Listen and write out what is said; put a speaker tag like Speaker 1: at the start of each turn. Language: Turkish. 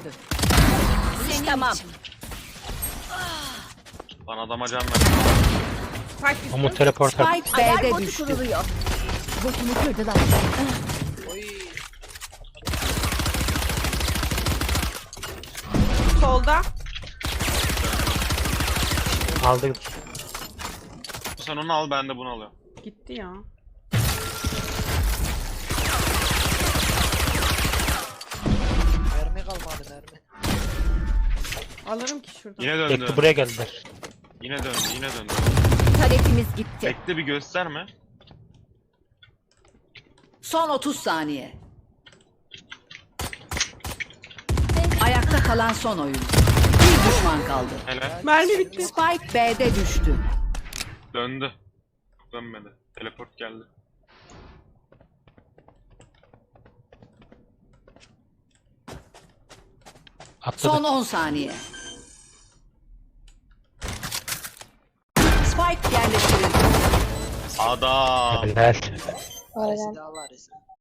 Speaker 1: düştü.
Speaker 2: Senin tamam.
Speaker 3: Lan adama can ver.
Speaker 4: Spike
Speaker 5: Umut teleport at.
Speaker 1: Spike
Speaker 2: Alarm
Speaker 1: B'de
Speaker 2: botu
Speaker 1: düştü.
Speaker 2: kuruluyor.
Speaker 1: Botumu kırdılar.
Speaker 4: solda.
Speaker 5: Aldık.
Speaker 3: Sen onu al, ben de bunu alıyorum.
Speaker 4: Gitti ya.
Speaker 6: Mermi kalmadı mermi.
Speaker 4: Alırım ki şuradan.
Speaker 3: Yine döndü.
Speaker 5: Bekle buraya geldiler.
Speaker 3: Yine döndü, yine döndü.
Speaker 1: Taretimiz gitti.
Speaker 3: Bekle, bir gösterme.
Speaker 1: Son 30 saniye. Ayakta kalan son oyun. Bir düşman kaldı.
Speaker 3: Helal.
Speaker 4: Mermi bitti.
Speaker 1: Spike B'de düştü.
Speaker 3: Döndü. Dönmedi. Teleport geldi.
Speaker 1: Son
Speaker 5: Atladı.
Speaker 1: 10 saniye. Spike yerleştirildi.
Speaker 3: Adam.
Speaker 5: Helal.
Speaker 6: Aresi daha var aresi.